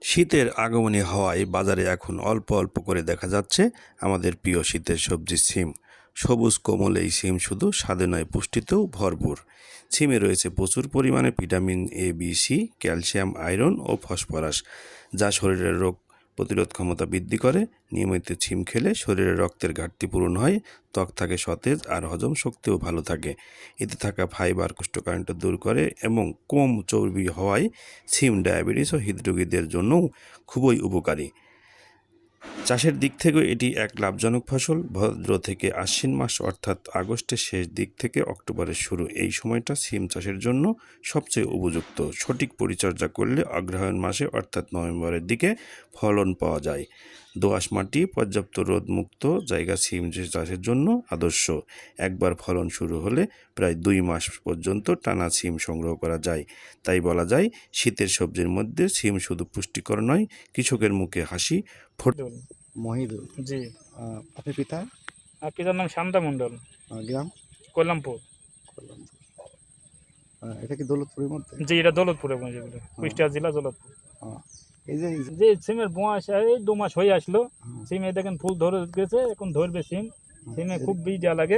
শীতের আগমনী হওয়ায় বাজারে এখন অল্প অল্প করে দেখা যাচ্ছে আমাদের প্রিয় শীতের সবজি সিম। সবুজ কোমল এই সিম শুধু স্বাদে নয়, পুষ্টিতেও ভরপুর। সিমে রয়েছে প্রচুর পরিমাণে vitamin A, B, C, calcium, iron ও ফসফরাস, যা শরীরের রোগ প্রতিরোধ ক্ষমতা বৃদ্ধি করে। নিয়মিত সিম খেলে শরীরে রক্তের ঘাটতি পূরণ হয়, ত্বক থাকে সতেজ আর হজম শক্তিও ভালো থাকে। এতে থাকা ফাইবার কোষ্ঠকাঠিন্য দূর করে এবং কম চর্বি হওয়ায় সিম ডায়াবেটিস ও হৃদরোগীদের জন্যও খুবই উপকারী। চাষের দিক থেকেও এটি এক লাভজনক ফসল। ভাদ্র থেকে আশ্বিন মাস অর্থাৎ আগস্টের শেষ দিক থেকে অক্টোবরের শুরু, এই সময়টা সিম চাষের জন্য সবচেয়ে উপযুক্ত। সঠিক পরিচর্যা করলে অগ্রহায়ণ মাসে অর্থাৎ নভেম্বরের দিকে ফলন পাওয়া যায়। দোআঁশ মাটি, পর্যাপ্ত রোদমুক্ত জায়গা সিম চাষের জন্য আদর্শ। একবার ফলন শুরু হলে প্রায় 2 মাস পর্যন্ত টানা সিম সংগ্রহ করা যায়। তাই বলা যায়, শীতের সবজির মধ্যে সিম শুধু পুষ্টিকর নয়, কৃষকের মুখে হাসি মন্ডল। মহিদুল। জি। আপনার পিতা? আর পিতার নাম শান্তা মন্ডল, গ্রাম? কল্যাণপুর। কল্যাণপুর। এটা কি দৌলতপুরের মধ্যে? জি, এটা দৌলতপুরে যেগুলো, কুষ্টিয়া জেলা দৌলতপুর। এই যে যে সিমের বয়স এই 2 মাস হয়ে আসলো। সিমে দেখেন ফুল ধরে গেছে, এখন ধরবে সিম। সিমে খুব বীজ দেওয়া লাগে।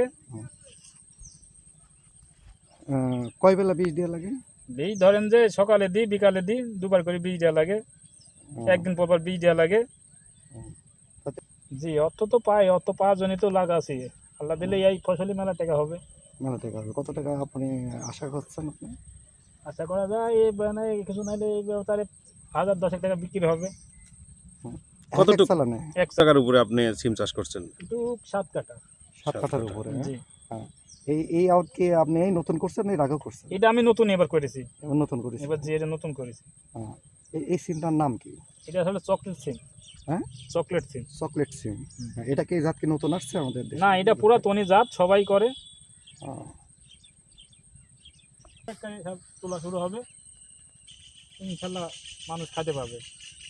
কয় বেলা বীজ দেওয়া লাগে? বীজ ধরেন যে সকালে দিই, বিকালে দিই, দুবার করে বীজ দেওয়া লাগে। একদিন পর পর বীজ দেওয়া লাগে। জি, অর্থ তো পাই, অর্থ পাওয়ার জন্যই তো লাগা আছে। আল্লাহ দিলে এই ফসলি মেলা টাকা হবে। মেলা টাকা হবে। কত টাকা আপনি আশা করছেন আপনি? আশা করা যায় এই মানে কিছু নাইলে এই ব্যবসায় 1000-10 টাকা বিক্রি হবে। কতটুকু চালানে? 1 টাকার উপরে আপনি সিম চাষ করছেন? কিন্তু 7 কাটা। 7 কাঠার উপরে? জি। এই আউট কি আপনি এই নতুন করছেন না এর আগেও করছেন? এটা আমি নতুন এবার করেছি। এবার নতুন করেছি। এবার যে এটা নতুন করেছি। এই সিমটার নাম কি? এটা আসলে চকলেট সিম। হ্যাঁ, চকলেট সিম। চকলেট সিম। এটা কি জাত কি নতুন আসছে আমাদের দেশে? না, এটা পুরাতনী জাত, সবাই করে। সব তোলা শুরু হবে, ইনশাল্লাহ মানুষ খেতে পাবে।